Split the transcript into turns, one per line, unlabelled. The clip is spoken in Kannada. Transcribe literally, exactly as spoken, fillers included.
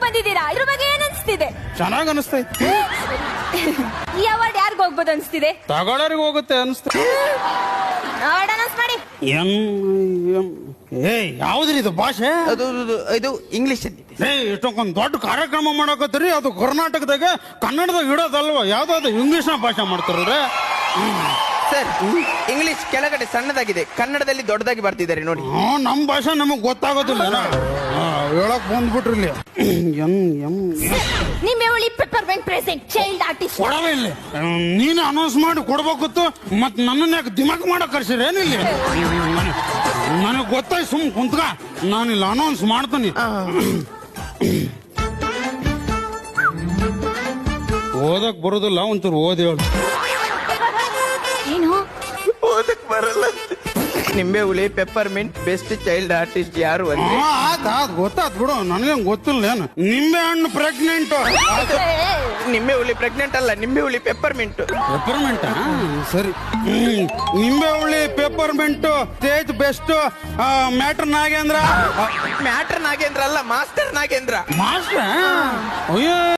ಬಂದಿದ್ದೀರಾ, ಇದ್ರ ಬಗ್ಗೆ ಏನ್ ಅನ್ಸ್ತಿದೆ?
ಚೆನ್ನಾಗ್ ಅನಿಸ್ತೈತಿ.
ಈ ಅವಾರ್ಡ್ ಯಾರಿಗ ಹೋಗ್ಬೋದು ಅನ್ಸ್ತಿದೆ?
ತಗೊಳ್ಳೋರಿಗೆ ಹೋಗುತ್ತೆ ಅನಿಸ್ತೈತಿ.
ನೋಡ ಅನೌನ್ಸ್ ಮಾಡಿ.
ಎಂ ಎಂ ಏ ಯಾವ್ದ್ರಿ ಇದು ಭಾಷೆ?
ಅದು ಅದು- ಇದು ಇಂಗ್ಲಿಷ್ ಅಲ್ಲಿ
ಏ ಇಷ್ಟೊಂದು ದೊಡ್ಡ ಕಾರ್ಯಕ್ರಮ ಮಾಡಕತ್ತೀರಿ, ಅದು ಕರ್ನಾಟಕದಾಗ ಕನ್ನಡದಾಗ ಇಡೋದಲ್ವ, ಯಾವ್ದಾದ್ರು ಇಂಗ್ಲಿಷ್ನ ಭಾಷೆ ಮಾಡ್ತಾರ್ರೆ.
ಸರ್. ಇಂಗ್ಲಿಷ್ ಕೆಳಗಡೆ ಸಣ್ಣದಾಗಿದೆ, ಕನ್ನಡದಲ್ಲಿ ದೊಡ್ಡದಾಗಿ ಬರ್ತಿದ್ದಾರೆ ನೋಡಿ.
ಹಾ ನಮ್ ಭಾಷೆ ನಮಗ್ ಗೊತ್ತಾಗೋದಿಲ್ಲ. ಹೇಳಕ್ ಬಂದ್ಬಿಟ್ರಿ ಇಲ್ಲಿ. ಎಂ ಎಂ
ನಿಮ್ಮೆ ಉಳಿ ಪೆಪ್ಪರ್ಮೆಂಟ್ ಪ್ರೆಸೆಂಟ್ ಚೈಲ್ಡ್ ಆರ್ಟಿಸ್ಟ್.
ಕೊಡವೇ ಇಲ್ಲಿ. ನೀನು ಅನೌನ್ಸ್ ಮಾಡಿ ಕೊಡ್ಬೇಕಿತ್ತು, ಮತ್ ನನ್ನ ಯಾಕೆ ದಿಮಾಕ್ ಮಾಡಕ್ ಕರ್ಸಿರ ಏನಿಲ್ಲ? ನನಗ್ ಗೊತ್ತಾಯ್ತು, ಸುಮ್ ಕುಂತ್ಕ, ನಾನಿಲ್ಲ ಅನೌನ್ಸ್ ಮಾಡ್ತೀನಿ. ಓದಕ್ ಬರೋದಿಲ್ಲ, ಒಂಚೂರು ಓದಿ ಹೇಳು.
ಏನು
ಓದಕ್ ಬರಲ್ಲ. ನಿಂಬೆ ಹುಳಿ ಪೆಪ್ಪರ್ಮೆಂಟ್ ಬೆಸ್ಟ್ ಚೈಲ್ಡ್ ಆರ್ಟಿಸ್ಟ್ ಯಾರು ಅಂತ.
ಆತ್ ಆತ್ ಗೊತ್ತಾತ್ ಬಿಡು, ನನಗೇನ್ ಗೊತ್ತಿಲ್ಲ. ಏನು ನಿಂಬೆ ಹಣ್ಣು ಪ್ರೆಗ್ನೆಂಟ್?
ನಿಂಬೆ ಹುಳಿ ಪ್ರೆಗ್ನೆಂಟ್ ಅಲ್ಲ, ನಿಂಬೆ ಹುಳಿ ಪೆಪ್ಪರ್ಮೆಂಟ್.
ಪೆಪ್ಪರ್ಮೆಂಟ್ ಸರಿ. ಹ್ಮ್ ನಿಂಬೆ ಹುಳಿ peppermint stage best matter Nagendra.
Matter Nagendra ಅಲ್ಲ, ಮಾಸ್ಟರ್ ನಾಗೇಂದ್ರ.
ಮಾಸ್ಟರ್ ಅಯ್ಯೋ